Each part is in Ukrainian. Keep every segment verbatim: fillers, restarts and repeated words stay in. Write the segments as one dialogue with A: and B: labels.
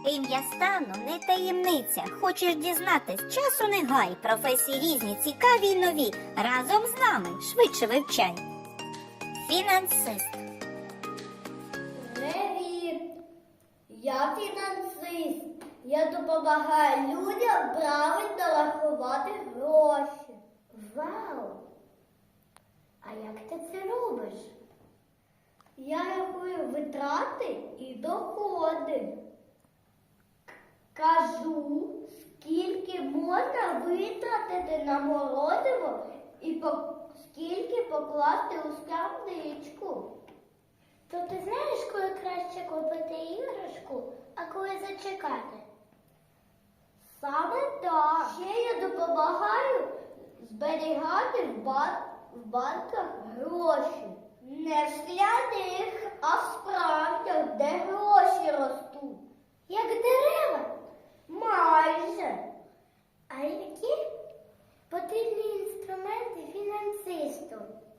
A: Ім'я стану не таємниця. Хочеш дізнатись, часу не гай. Професії різні, цікаві й нові. Разом з нами швидше вивчай. Фінансист.
B: Привіт! Я фінансист. Я допомагаю людям правильно рахувати гроші. Вау! А як ти це робиш? Я рахую витрати і доходи. Кажу, скільки можна витратити на морозиво і по... скільки покласти у скарбничку. То ти знаєш, коли краще купити іграшку, а коли зачекати? Саме так. Ще я допомагаю зберігати в, бан... в банках гроші. Не в скляних, а в справжніх, де гроші ростуть. Як дерева? Майже. А які потрібні інструменти фінансисту?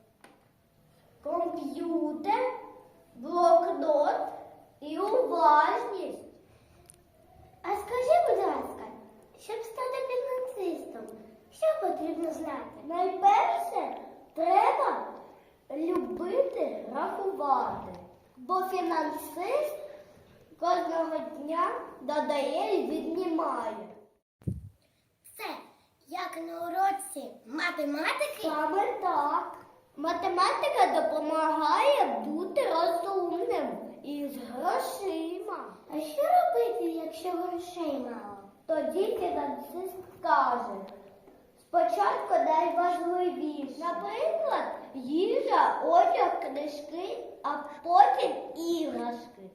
B: Комп'ютер, блокнот і уважність. А скажи, будь ласка, щоб стати фінансистом, що потрібно знати? Найперше, треба любити рахувати, бо фінансист кожного дня додає і віднімає. Це як на уроці математики? Саме так. Математика допомагає бути розумним і з грошима. А що робити, якщо грошей мало? Тоді фінансист каже: спочатку найважливіше. Наприклад, їжа, одяг, книжки, а потім іграшки.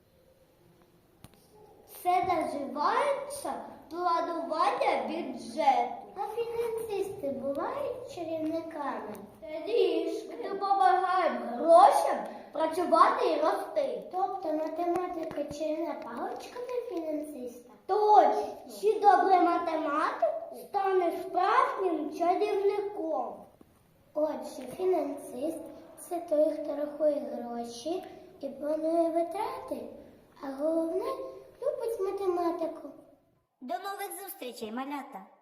B: Це називається планування бюджету. А фінансисти бувають чарівниками? Трішки допомагають грошам працювати і рости. Тобто математика чарівна паличка для фінансиста? Точно! Чи добрий математик стане справжнім чарівником? Отже, фінансист – це той, хто рахує гроші і планує витрати, а головне – любить математику.
A: До нових зустрічей, малята!